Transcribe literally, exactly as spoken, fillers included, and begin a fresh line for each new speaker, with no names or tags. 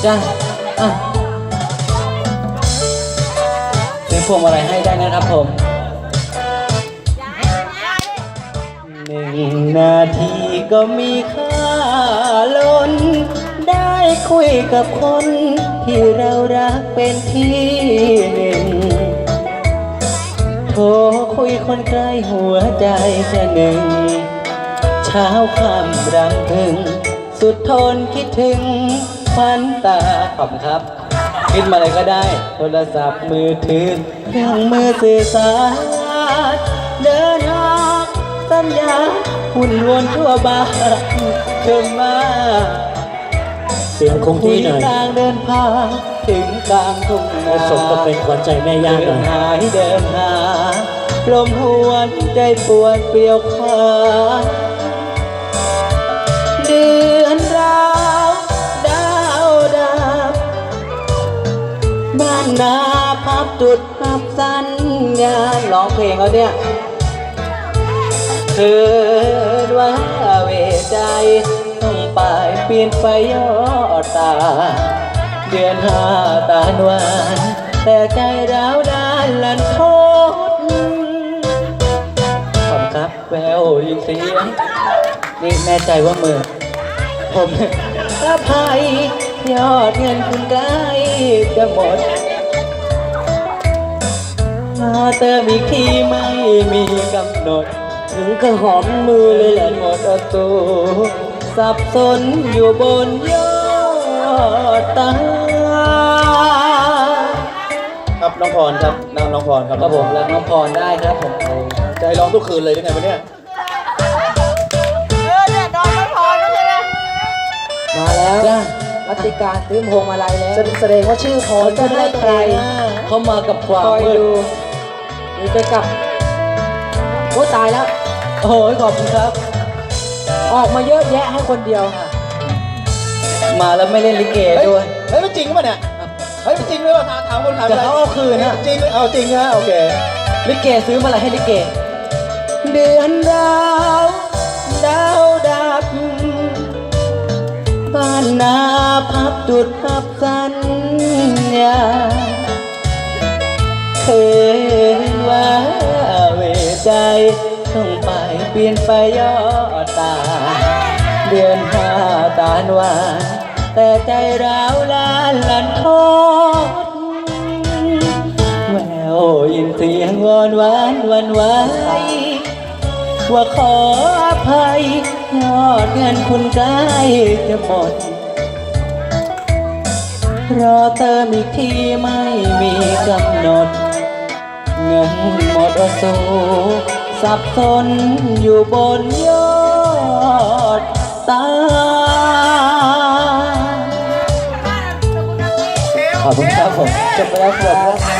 จ้าอ่ะซื้อพวงมาลัยให้ได้นะครับผมหนึ่งนาทีก็มีค่าล้นได้คุยกับคนที่เรารักเป็นที่หนึ่งโทรคุยคนใกล้หัวใจแค่หนึ่งเช้าค่ำรำพึงสุดทนคิดถึงฝันตาขอบครับคิดมาเลยก็ได้โทรศัพท์มือถือเครื่องมือสื่อสารเดินทางสัญญาหุ่นวนทั่วบ้านเธอมา
เสียงคงที่หน่อย
ทางเดินพาถึงกลางทุ่งนา
สมกับเป็นขวัญใจแม่ย่าหน่อย
หายเดินหาลมหวนใจปวดเปลี่ยวขาเดือนราวดาวดับบ้านนาพับจุดพับสัญญาณร้องเพลงเขาเนี่ยเกิดว่าเวใจต้องไปเปลี่ยนไฟย่อตาเดือนห้าตาหวานแต่ใจร้าวด้านลันทดขอบครับแววยินเสียงนี่แน่ใจว่ามือผมอภัยยอดเงินคุณใกล้จะหมดมาเติมอีกทีไม่มีกำหนดถึงก็หอมมือเลยแหละหมดอตูสับสนอยู่บนยอดตา
ครับน้องพรครับน้องน้องพรครับ
ครับผมรับน้องพรได้ครับผม
ใจร้องทุกคืนเลยได้ไงวันนี้
เออเนี่ยน้องน้องพรไม่ใช่ไหม
มาแล้วรัติการซื้อพวงมาลัยแล้ว
แสดงว่าชื่อพร
จะได้ใครเขามากับความมืดนี่จะกลับโอ้ตายแล้วโอ้ยขอบคุณครับออกมาเยอะแยะให้คนเดียวค่ะมาแล้วไม่เล่นลิเกด้วย
เฮ้ยไม่จริงป่ะเนี่ยเฮ้ยไม่จริงเลยว่ะถามคนถาม
แต่เขาเอาคืนนะ
จริงเอาจริงนะโอเค
ลิเกซื้อมาอะไรให้ลิเกเดือนดาวดาวดับบ้านนาพับจุดพับสัญญาเคยว่าเวใจต้องไปเปลี่ยนไปย่อตาเดือนห้าตาหวานแต่ใจร้าวล้านลันทดแววยินเสียงวอนหวานวันไหวว่าขออภัยยอดเงินคุณใกล้จะหมดรอเติมอีกทีไม่มีกำหนดเงินหมดอสูสับสนอยู่บนยอดตาขอบคุณครับผมจบไปแล้วครับ